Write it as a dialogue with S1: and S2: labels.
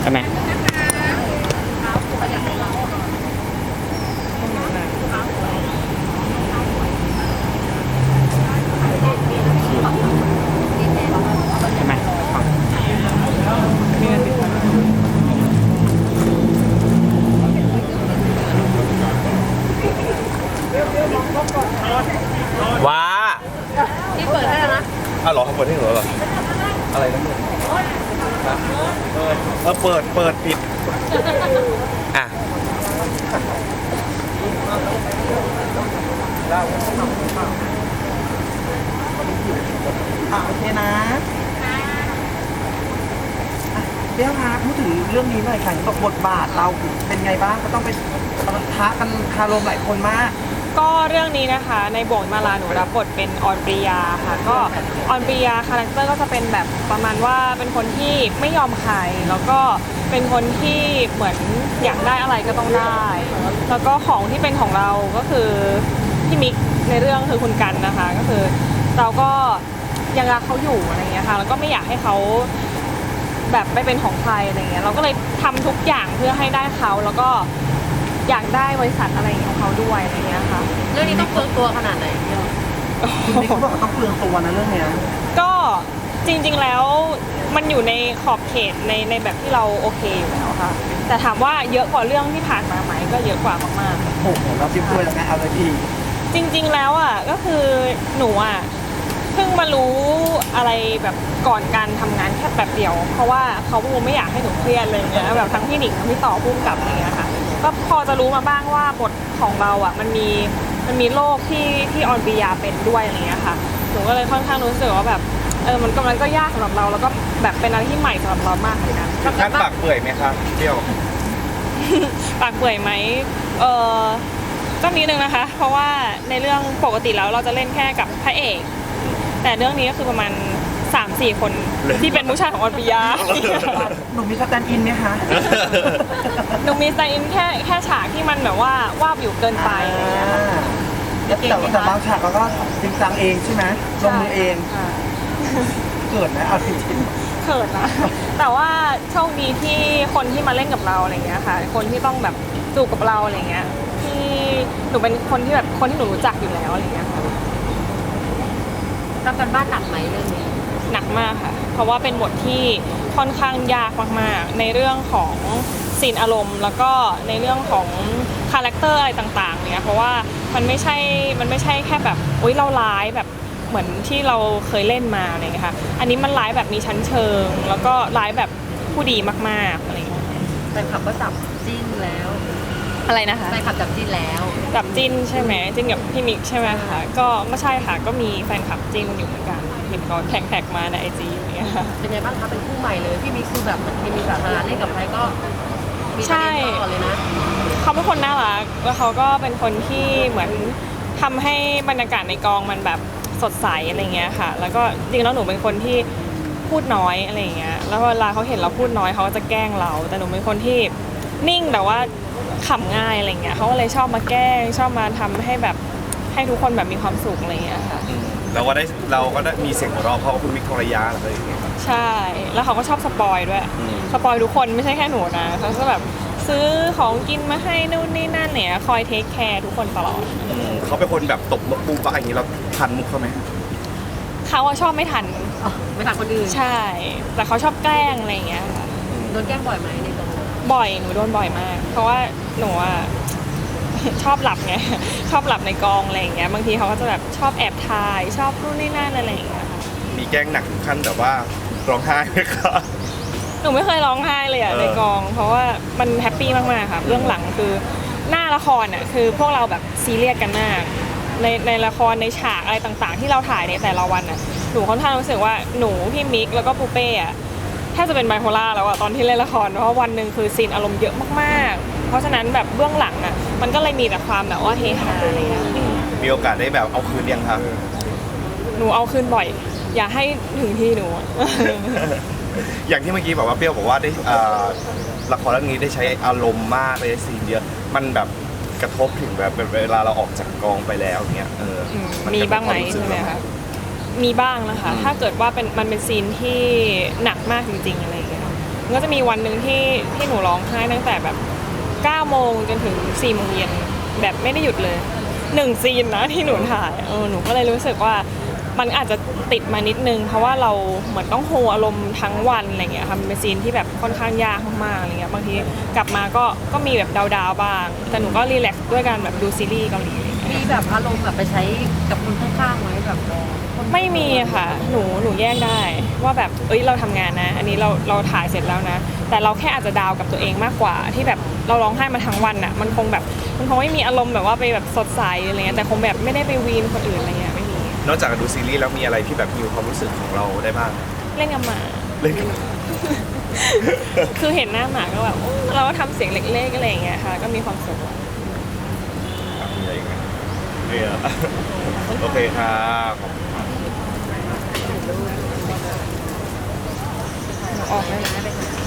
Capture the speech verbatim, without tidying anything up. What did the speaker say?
S1: ใช่ไหมใช่ไหมว้า
S2: ที่เปิดให้แล้วนะ
S3: อ้าวเหรอเขาเปิดให้หนูเหรออะไรนะเออเออเปิดเปิดปิดอ่ะ
S4: อ่ะโอเคนะเดี๋ยวคะพูดถึงเรื่องนี้หน่อยค่ะตกบทบาทเราเป็นไงบ้างก็ต้องไปท้ากันคารมหลายคนมาก
S2: ก็เรื่องนี้นะคะในบ่วงมาลาหนูรับบทเป็นออนปริยาค่ะก็ออนปริยาคาแรคเตอร์ก็จะเป็นแบบประมาณว่าเป็นคนที่ไม่ยอมใครแล้วก็เป็นคนที่เหมือนอยากได้อะไรก็ต้องได้แล้วก็ของที่เป็นของเราก็คือพี่มิกในเรื่องคือคุณกันนะคะก็คือเราก็ยังรักเขาอยู่อะไรเงี้ยค่ะแล้วก็ไม่อยากให้เขาแบบไม่เป็นของใครอะไรเงี้ยเราก็เลยทำทุกอย่างเพื่อให้ได้เขาแล้วก็อยากได้บริษัทอะไรของเขาด้วยอะไรเงี้ยค่ะ
S5: เรื่องนี้ต้องเปลืองตัวขนาดไหนพี่
S4: นี่เขาบอกว่าต้องเปลืองตัวนะเรื่องเนี้ย
S2: ก็จริงๆแล้วมันอยู่ในขอบเขตในในแบบที่เราโอเคอยู่แล้วค่ะแต่ถามว่าเยอะกว่าเรื่องที่ผ่านมาไหมก็เยอะกว่ามาก
S4: ๆโอ้โหเราจิ้มด้วยแล้วไงเอาเลยพี่
S2: จริงๆแล้วอ่ะก็คือหนูอ่ะเพิ่งมารู้อะไรแบบก่อนการทำงานแค่แบบเดียวเพราะว่าเขาไม่อยากให้หนูเครียดเลยเนี่ยแบบทั้งพี่หนิงทั้งพี่ต่อพุ่งกับอะไรเงี้ยค่ะก็พอจะรู้มาบ้างว่าบทของเราอ่ะมันมีมันมีโรคที่ที่ออนปริยาเป็นด้วยอะไรเงี้ยค่ะหนูก็เลยค่อนข้างรู้สึกว่าแบบเออมันกำลังก็ยากสำหรับเราแล้วก็แบบเป็นอะไรที่ใหม่สำหรับเรามากเหมือนกัน
S3: ท่านปากเปื่อยไหมคะเที่ยว
S2: ปากเปื่อยไหมเออก็นิดนึงนะคะเพราะว่าในเรื่องปกติแล้วเราจะเล่นแค่กับพระเอกแต่เรื่องนี้ก็คือประมาณ สามสี่ คนที่เป็นผู้ชายของออนปริยา
S4: หนูมีสแตนด์อินไหมคะ
S2: หนูมีสแตนด์อินแค่แค่ฉากที่มันแบบว่าวาบอยู่เกินไป
S4: แต่แต่บางฉากเราก็จริงจังเองใช่ไหมลงมือเองเกิดนะเอาจริง
S2: ๆเกิดนะแต่ว่าโชคดีที่คนที่มาเล่นกับเราอะไรเงี้ยค่ะคนที่ต้องแบบจูบกับเราอะไรเงี้ยที่หนูเป็นคนที่แบบคนที่หนูรู้จักอยู่แล้วอะไรเงี้ยค่ะ
S5: ทำกันบ้านหนักไหมเรื่องนี้
S2: หนักมากค่ะเพราะว่าเป็นบทที่ค่อนข้างยากมากๆในเรื่องของซีนอารมณ์แล้วก็ในเรื่องของคาแรคเตอร์อะไรต่างๆเนี่ยเพราะว่ามันไม่ใช่มันไม่ใช่แค่แบบอุ๊ยเราร้ายแบบเหมือนที่เราเคยเล่นมาอะไรเงี้ยค่ะอันนี้มันร้ายแบบมีชั้นเชิงแล้วก็ร้ายแบบผู้ดีมากๆอะไรเงี้ย
S5: แฟนคลับก็จับจิ้นแล้ว
S2: อะไรนะคะ
S5: แฟนคลับจับจิ้นแล้ว
S2: จับจิ้นใช่ไหมจิ้นกับพี่มิกใช่ไหมคะก็ไม่ใช่ค่ะก็มีแฟนคลับจิ้นอยู่เหมือนกันเห็นเขาแท็กๆมาในไอจีอย่างเงี้ย
S5: เป็นไงบ้างคะเป็นคู่ใหม่เลยพี่มิกคือแบบมันมีสาธารณะเล่นกับใครก็มีประเด็นตลอดเลยนะ
S2: เขาเป็นคนน่ารักแล้วเขาก็เป็นคนที่เหมือนทำให้บรรยากาศในกองมันแบบสดใสอะไรเงี้ยค่ะแล้วก็จริงแล้วหนูเป็นคนที่พูดน้อยอะไรเงี้ยแล้วเวลาเขาเห็นเราพูดน้อยเขาก็จะแกล้งเราแต่หนูเป็นคนที่นิ่งแต่ว่าขำง่ายอะไรเงี้ยเขาก็เลยชอบมาแกล้งชอบมาทำให้แบบให้ทุกคนแบบมีความสุขอะไรเงี้ยค่ะ
S3: เราก็ได้เราก็ได้มีเสียงหัวเราะเพราะคุณมิกทรยาอะไรอย่างเงี้ย
S2: ใช่แล้วเขาก็ชอบสปอยด้วยสปอยทุกคนไม่ใช่แค่หนูนะเขาก็แบบซื้อของกินมาให้นู่นนี่นั่นเนี่ยคอยเทคแคร์ทุกคนตลอด
S3: เขาเป็นคนแบบตบมุกปุ๊บอะไรอย่างนี้เราทันมุกเขาไหม
S2: เขาชอบไม่ทัน
S5: ไม่ทันคนอื่น
S2: ใช่แต่เขาชอบแกล้งอะไรอย่างเงี้ย
S5: โดนแกล้งบ่อยไหมในกอง
S2: บ่อยหนูโดนบ่อยมากเพราะว่าหนูอ่ะชอบหลับไงชอบหลับในกองอะไรอย่างเงี้ยบางทีเขาก็จะแบบชอบแอบถ่ายชอบนู่นนี่นั่นอะไรอย่างเงี้ย
S3: มีแกล้งหนักถึงขั้นแบบว่าร้องไห้ไหมคะ
S2: หนูไม่เคยร้องไห้เลยอ่ะในกองเพราะว่ามันแฮปปี้มากๆค่ะเรื่องหลังคือหน้าละครอ่ะคือพวกเราแบบซีเรียสกันมากในในละครในฉากอะไรต่างๆที่เราถ่ายในแต่ละวันอ่ะหนูค่อนข้างรู้สึกว่าหนูพี่มิกแล้วก็ปูเป้อ่ะแทบจะเป็นไบโพล่าแล้วอ่ะตอนที่เล่นละครเพราะวันหนึ่งคือซีนอารมณ์เยอะมากๆเพราะฉะนั้นแบบเบื้องหลังอ่ะมันก็เลยมีแต่ความแบบว่าเฮฮาอะไรอย่างเงี้ย
S3: มีโอกาสได้แบบเอาคืนยังคะ
S2: หนูเอาคืนบ่อยอย่าให้ถึงที่หนู
S3: อย่างที่เมื่อกี้บอกว่าเปรี้ยวบอกว่าได้ละครเรื่องนี้ได้ใช้อารมณ์มากเลยซีนเยอะมันแบบกระทบถึงแบบเวลาเราออกจากกองไปแล้วเนี้ยเออ
S2: มีบ้างไหมใช่ไหมคะมีบ้างนะคะถ้าเกิดว่าเป็นมันเป็นซีนที่หนักมากจริงๆอะไรอย่างเงี้ยหก็จะมีวันหนึ่งที่ที่หนูร้องไห้ตั้งแต่แบบเก้าโมงจนถึงสี่โมงเย็นแบบไม่ได้หยุดเลยหนึ่งซีนนะที่หนูถ่ายเออหนูก็เลยรู้สึกว่ามันอาจจะติดมานิดนึงเพราะว่าเราเหมือนต้องโฮอารมณ์ทั้งวันอะไรเงี้ยค่ะมันเป็นซีนที่แบบค่อนข้างยากมากๆอะไรเงี้ยบางทีกลับมาก็ก็มีแบบดาวๆบ้างแต่หนูก็รีแลกซ์ด้วยการแบบดูซีรีส์เกาหลี
S5: มีแบบอารมณ์แบบไปใช้กับคนข้างๆไหมแบบคน
S2: ไม่มีค่ะหนูหนูแยกได้ว่าแบบเอ้ยเราทำงานนะ อันนี้เราเราถ่ายเสร็จแล้วนะ แต่เราแค่อาจจะดาวกับตัวเองมากกว่าที่แบบเราร้องไห้มาทั้งวันอ่ะมันคงแบบมันคงไม่มีอารมณ์แบบว่าไปแบบสดใสอะไรเงี้ยแต่คงแบบไม่ได้ไปวีนคนอื่นอะไรเงี้ยไม่มี
S3: นอกจากดูซีรีส์แล้วมีอะไรที่แบบฮิวความรู้สึกของเราได้บ้าง
S2: เล่นกับหมา
S3: เล่นกับ
S2: คือเห็นหน้าหมาก็แบบอื้อเราก็ทำเสียงเล็กๆอะไรอย่างเงี้ยค่ะก็มีความสุข
S3: อะไรอย่างเงี้ยเนี่ยโอเคครับขอบคุณครับ
S2: ออกได้ไหม